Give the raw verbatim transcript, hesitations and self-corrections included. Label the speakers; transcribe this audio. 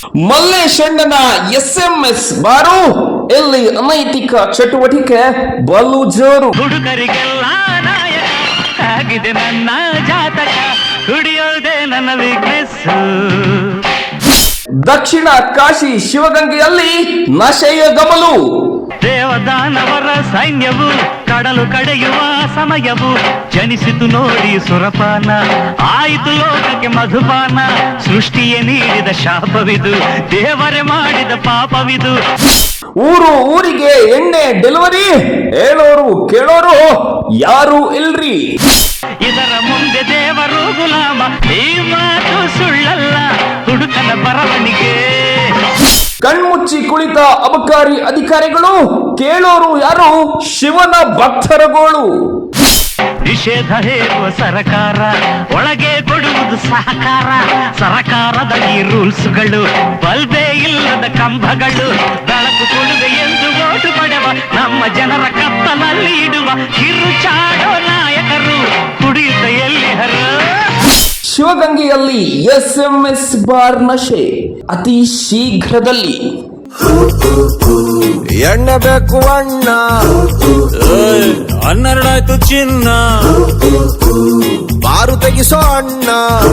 Speaker 1: ಮಲ್ಲೇಶಣ್ಣನ S M S bar ಇಲ್ಲಿ ಅನೈತಿಕ ಚಟುವಟಿಕೆ ಬಲು ಜೋರು.
Speaker 2: ಹುಡುಗರಿಗೆಲ್ಲ ನಾಯಕ ಆಗಿದೆ ನನ್ನ ಜಾತಕ, ಕುಡಿಯೋದೆ ನನ್ನ ವೀಕ್ನೆಸ್.
Speaker 1: ದಕ್ಷಿಣ ಕಾಶಿ ಶಿವಗಂಗೆಯಲ್ಲಿ ನಶೆಯ ಗಮಲು.
Speaker 2: ದೇವದಾನವರ ಸೈನ್ಯವು ಕಡಲು ಕಡೆಯುವ ಸಮಯವು ಜನಿಸಿತು ನೋಡಿ ಸುರಪಾನ, ಆಯಿತು ಲೋಕಕ್ಕೆ ಮಧುಪಾನ. ಸೃಷ್ಟಿಯೇ ನೀಡಿದ ಶಾಪವಿದು, ದೇವರೇ ಮಾಡಿದ ಪಾಪವಿದು.
Speaker 1: ಊರು ಊರಿಗೆ ಎಣ್ಣೆ ಡೆಲಿವರಿ, ಹೇಳೋರು ಕೇಳೋರು ಯಾರು ಇಲ್ರಿ.
Speaker 2: ಇದರ ಮುಂದೆ ದೇವರು ಗುಲಾಮ, ಈ ಮಾತು ಸುಳ್ಳಲ್ಲ ಹುಡುಕನ ಬರವಣಿಗೆ.
Speaker 1: ಕಣ್ಮುಚ್ಚಿ ಕುಳಿತ ಅಬಕಾರಿ ಅಧಿಕಾರಿಗಳು, ಕೇಳೋರು ಯಾರು ಶಿವನ ಭಕ್ತರುಗಳು.
Speaker 2: ನಿಷೇಧ ಹೇರುವ ಸರಕಾರ, ಒಳಗೆ ಕೊಡುವುದು ಸಹಕಾರ. ಸರಕಾರದ ಈ ರೂಲ್ಸ್ಗಳು, ಬಲ್ಬೇ ಇಲ್ಲದ ಕಂಬಗಳು. ಬೆಳಕು ಕೊಡುವೆ ಎಂದು ಓಟು ಪಡೆವ ನಮ್ಮ ಜನರ ಕತ್ತಲಲ್ಲಿ ಇಡುವ ಕಿರುಚಾಡೋ ನಾಯಕರು ಕುಡಿಯುತ್ತ ಎಲ್ಲಿಹರು.
Speaker 1: ಶಿವಗಂಗೆಯಲ್ಲಿ ಎಸ್ ಎಂ ಎಸ್ ಬಾರ್ ನಶೆ ಅತಿ ಶೀಘ್ರದಲ್ಲಿ.
Speaker 3: ಎಣ್ಣೆ ಬೇಕು ಅಣ್ಣ,
Speaker 4: ಹನ್ನೆರಡಾಯ್ತು ಚಿನ್ನ,
Speaker 3: ಬಾರು ತೆಗಿಸೋ ಅಣ್ಣ.